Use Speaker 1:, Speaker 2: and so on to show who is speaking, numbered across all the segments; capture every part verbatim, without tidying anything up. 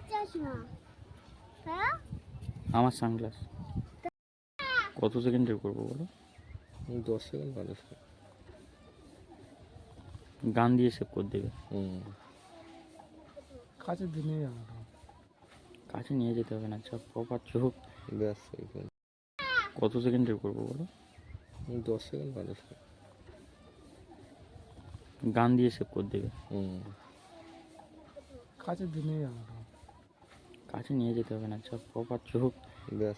Speaker 1: আমার সানগ্লাস কত সেকেন্ডের করবো বলো?
Speaker 2: দশ সেকেন্ড বারো সেকেন্ড
Speaker 1: গান দিয়ে সেভ করে দেবে।
Speaker 2: হুম
Speaker 3: কাছে দিনে
Speaker 1: কাছে নিয়ে যেতে হবে না, সব প্রপার চোখ।
Speaker 2: ব্যাস
Speaker 1: কত সেকেন্ডের করবো বলো?
Speaker 2: দশ সেকেন্ড বারো সেকেন্ড
Speaker 1: গান দিয়ে সেভ করে দেবে।
Speaker 2: হুম
Speaker 3: কাছে দিনে
Speaker 1: কাছে নিয়ে যেতে হবে না, সব প্রপার চোখ।
Speaker 2: ব্যাস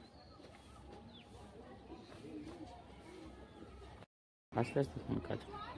Speaker 1: আস্তে আস্তে ফোন কাজ